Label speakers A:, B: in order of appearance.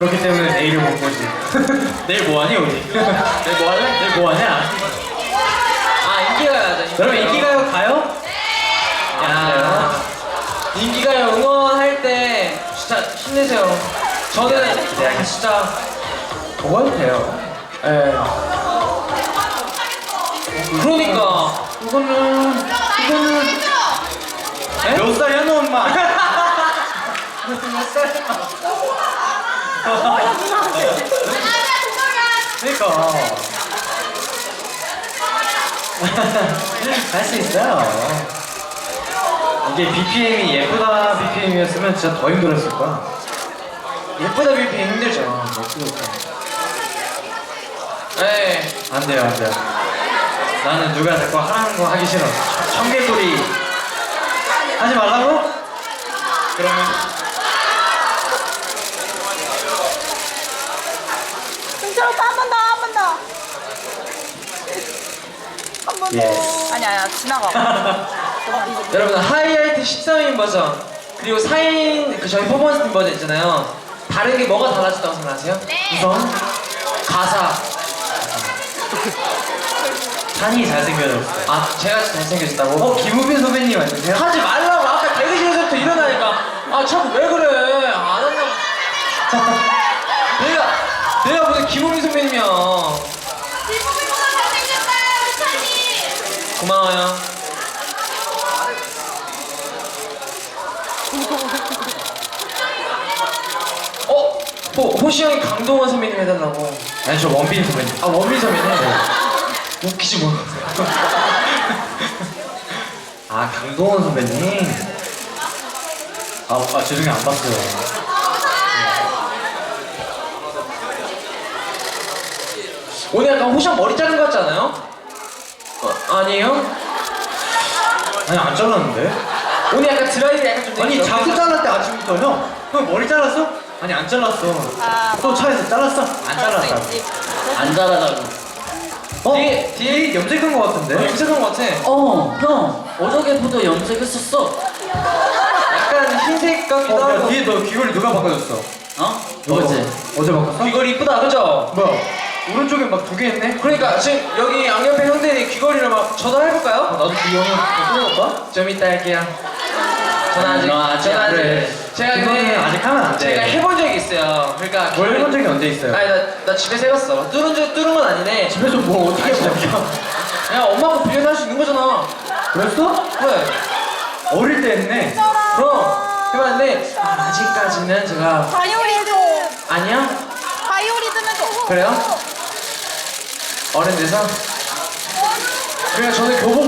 A: 그렇기 때문에 내일을 못 보지. 내일 뭐하니 우리? 내일 뭐할래? 내일 뭐하냐?
B: 아 인기가요죠.
A: 여러분 인기가요 가요?
B: 야 인기가요 응원할 때 진짜 힘내세요. 저는 진짜
A: 먹어도 돼요. 예.
B: 그러니까
A: 이거는
B: 에?
A: 몇 살이야 너 엄마?
B: 몇 살이야?
A: 그러니까 할 수 있어요. 이게 BPM이 예쁘다 BPM이었으면 진짜 더 힘들었을 거야.
B: 예쁘다 빌피 힘들죠. 네.
A: 안 돼요, 안 돼요. 나는 누가 자꾸 하라는 거 하기 싫어. 청개구리 하지 말라고? 그러면
C: 승철 오빠 한 번 더, 한 번 더. 한 번 더.
A: Yes.
C: 아니야, 지나가.
B: 여러분 하이라이트 13인 버전 그리고 4인 그 저희 퍼포먼스 팀 버전 있잖아요. 다른 게 뭐가 달라졌다고 생각하세요?
A: 우선
B: 가사.
A: 찬이 잘생겨졌어요.
B: 아 제가 잘생겨졌다고?
A: 김우빈 선배님 아니세요?
B: 하지 말라고 아까 대기실에서부터 일어나니까 아 자꾸 왜 그래 안 한다고. 내가 무슨 김우민 선배님이야. 고마워요. 호시 형이 강동원 선배님 해달라고.
A: 아니 저 원빈 선배님.
B: 아 원민 선배님. 웃기지 뭐.
A: 아 강동원 선배님. 아 죄송해요 안 봤어요.
B: 오늘 약간 호시 형 머리 자른 거 같지 않아요? 아니에요?
A: 아니 안 잘랐는데?
B: 오늘 약간 드라이브 약간 좀
A: 아니
B: 되게
A: 자꾸
B: 이렇게-
A: 잘랐대 아침부터 형. 형 머리 잘랐어? 아니 안 잘랐어.
C: 아,
A: 또 차에서 잘랐어? 안 잘랐다.
B: 안 자라다고.
A: 어?
B: 뒤에
A: 뒤에 염색한 거 같은데?
B: 염색한 거 같아.
D: 형 어저께부터 염색했었어.
B: 약간 흰색 같기도
A: 야
B: 하고.
A: 뒤에 너 귀걸이 누가 바꿔줬어?
D: 어?
A: 누가
D: 어제.
A: 어제 바꿨어?
B: 귀걸이 이쁘다 그죠?
A: 뭐야? 오른쪽에 막 두 개 있네?
B: 그러니까 지금 여기 양옆에 형들이 귀걸이를 막 전화해볼까요?
A: 나도 그 형을 끊어볼까?
B: 좀 이따 할게요. 전화 아직
A: 그래.
B: 제가
A: 그거는 아직 하면 안 돼.
B: 제가 해본 적이 있어요. 그러니까
A: 뭘 해본 적이 언제 있어요?
B: 아니 나 집에서 해봤어. 뚫은 건 아니네.
A: 집에서 뭐 어떻게 해봤냐?
B: 그냥 엄마 거 빌려서 할 수 있는 거잖아.
A: 그랬어?
B: 그래.
A: 어릴 때 했네.
B: 그럼 해봤는데 아직까지는 제가
C: 바이오리즘.
B: 아니야?
C: 바이오리즘은 좀.
B: 그래요? 어른 돼서? 그냥 저는 교복